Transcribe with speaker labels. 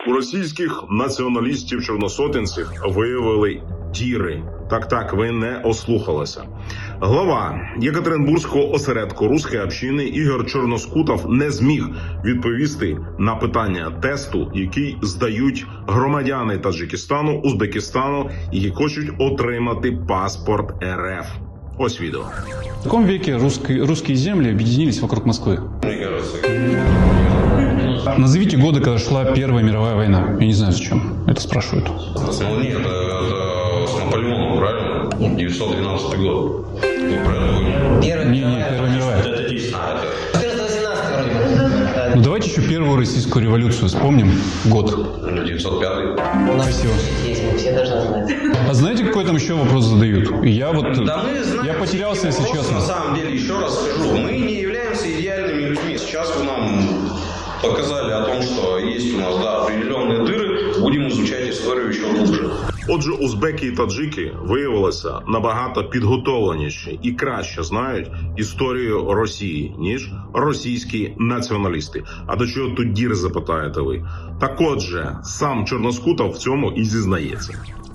Speaker 1: У російських націоналістів-чорносотенців виявили діри. Так, ви не ослухалися. Глава Єкатеринбурзького осередку руської общини Ігор Чорноскутов не зміг відповісти на питання тесту, який здають громадяни Таджикистану, Узбекистану, які хочуть отримати паспорт РФ. Ось відео.
Speaker 2: В каком веке русские земли объединились вокруг Москвы?
Speaker 3: Мне кажется,
Speaker 2: Назовите годы, когда шла Первая мировая война. Я не знаю, зачем это спрашивают.
Speaker 3: ну нет, это с Наполеоном, правильно? 912 год. Ну, правильно понял.
Speaker 2: Первая мировая.
Speaker 3: Это 10.
Speaker 4: 14-18 вроде бы.
Speaker 2: Ну давайте еще Первую российскую революцию вспомним. Год.
Speaker 3: 905.
Speaker 4: У нас
Speaker 2: Спасибо.
Speaker 4: есть, мы все должны знать.
Speaker 2: А знаете, какой там еще вопрос задают? И я вот...
Speaker 3: Да мы знаем,
Speaker 2: я потерялся, если
Speaker 3: просто
Speaker 2: честно.
Speaker 3: На самом деле, еще раз скажу, мы не являемся идеальными людьми. Сейчас вы нам показали о том, что есть у нас, да, определенные дыры. Будем изучать историю еще глубже.
Speaker 1: Отже, узбеки і таджики виявилися набагато підготовленіші і краще знають історію Росії, ніж російські націоналісти. А до чого тут діри, запитаєте ви? Так отже, сам Чорноскутов в цьому і зізнається.